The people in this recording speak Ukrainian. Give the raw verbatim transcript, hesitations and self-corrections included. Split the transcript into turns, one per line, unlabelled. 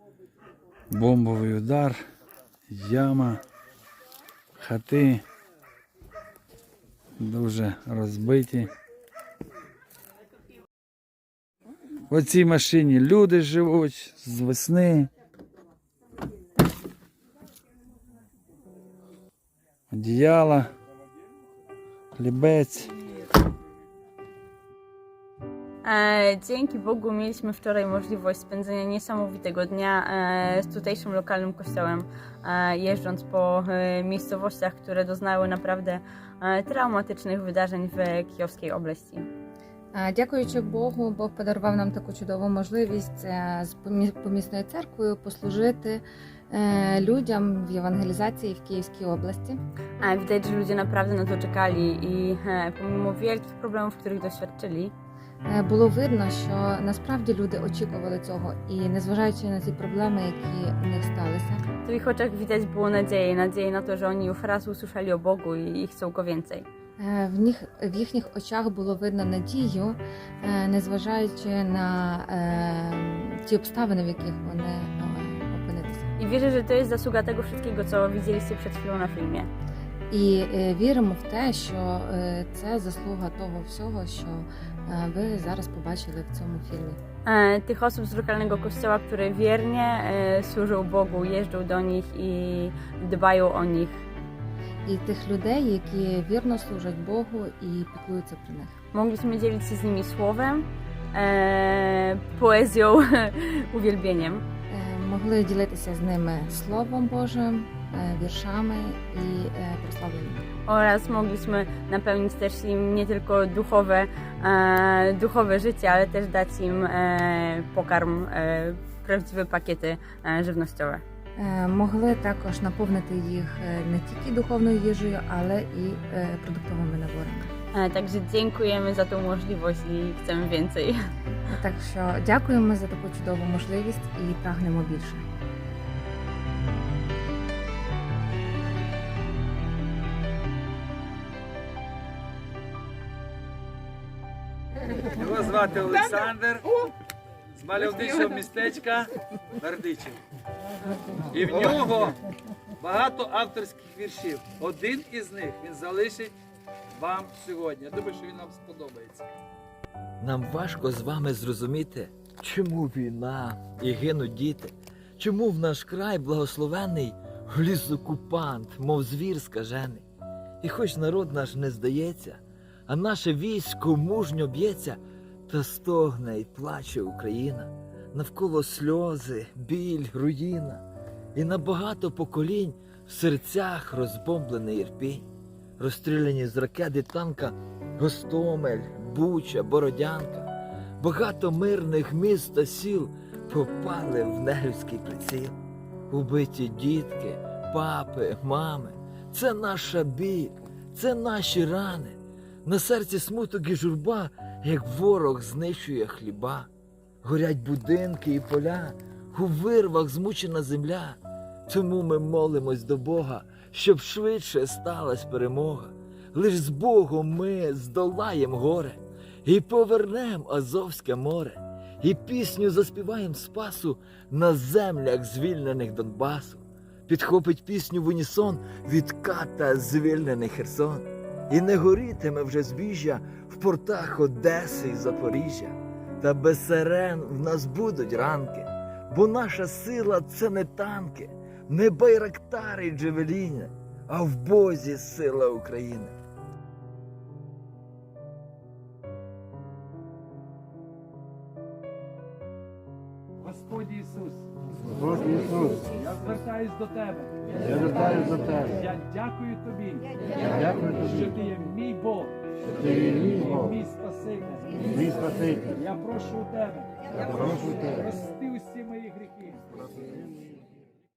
Бомбовий удар, яма, хати дуже розбиті. В цій машині люди живуть з весни. Одіяла, хлібець.
Dzięki Bogu mieliśmy wczoraj możliwość spędzenia niesamowitego dnia z tutejszym lokalnym kościołem, jeżdżąc po miejscowościach, które doznały naprawdę traumatycznych wydarzeń w Kijowskiej Obleści.
Дякуючи Богу, Бог подарував нам таку чудову можливість з помісною церквою послужити людям в євангелізації в Київській області.
Widać, że ludzie naprawdę na to czekali i pomimo wielkich problemów, których doświadczyli,
було видно, що насправді люди очікували цього і незважаючи на ті проблеми, які у них сталися,
w ich oczach widać było nadzieję, nadzieję na to, że oni już raz usłyszeli o Bogu i chcą Go więcej.
В них, в їхніх очах було видно надію, незважаючи на е, ті обставини, в яких вони опинилися.
I wierzę, że to jest zasługa tego wszystkiego, co widzieliście przed chwilą na filmie.
І е, віримо в те, що е, це заслуга того всього, що е, ви зараз побачили в цьому фільмі.
Tych osób z lokalnego kościoła, które wiernie służą Bogu, jeżdżą do nich i dbają o nich.
І тих людей, які вірно служать Богу і піклуються про них.
Mogliśmy dzielić się z nimi słowem, e, poezją, uwielbieniem.
Е, Могли ділитися з ними Словом Божим, е, віршами і е, прославленням.
Oraz mogliśmy napełnić też im nie tylko duchowe, e, duchowe życie, ale też dać im e, pokarm, e, prawdziwe pakiety e, żywnościowe.
Е, Могли також наповнити їх е, не тільки духовною їжею, але і е, продуктовими наборами.
E, Także dziękujemy za tą możliwość i chcemy więcej.
Так що дякуємо за таку чудову можливість і прагнемо більше.
Його звати Олександр, з мальовничого містечка Бердичів. І в нього багато авторських віршів. Один із них він залишить вам сьогодні. Я думаю, що він вам сподобається.
Нам важко з вами зрозуміти, чому війна і гинуть діти, чому в наш край благословений вліз окупант, мов звір скажений. І хоч народ наш не здається, а наше військо мужньо б'ється, та стогне й плаче Україна, навколо сльози, біль, руїна, і на багато поколінь в серцях розбомблений ірпінь, розстріляні з ракет і танка Гостомель, Буча, Бородянка, багато мирних міст та сіл попали в нелюдський приціл. Убиті дітки, папи, мами, це наша біль, це наші рани. На серці смуток і журба, як ворог знищує хліба. Горять будинки і поля, у вирвах змучена земля. Тому ми молимось до Бога, щоб швидше сталась перемога. Лиш з Богом ми здолаєм горе і повернем Азовське море. І пісню заспіваєм спасу на землях звільнених Донбасу. Підхопить пісню в унісон від ката звільнений Херсон. І не горітиме вже збіжжя в портах Одеси і Запоріжжя. Та без сирен в нас будуть ранки, бо наша сила – це не танки, не байрактари й джевеліни, а в Бозі сила України.
Господь Ісус,
Господь Ісус,
я звертаюсь до Тебе.
я звертаюся до Тебе.
Я дякую Тобі,
Я дякую
що
Тобі,
Ти є мій Бог,
що Ти є мій Бог,
мій Спаситель.
мій Спаситель.
Я прошу у Тебе,
Я прошу Тебе,
прости усі мої гріхи.
прости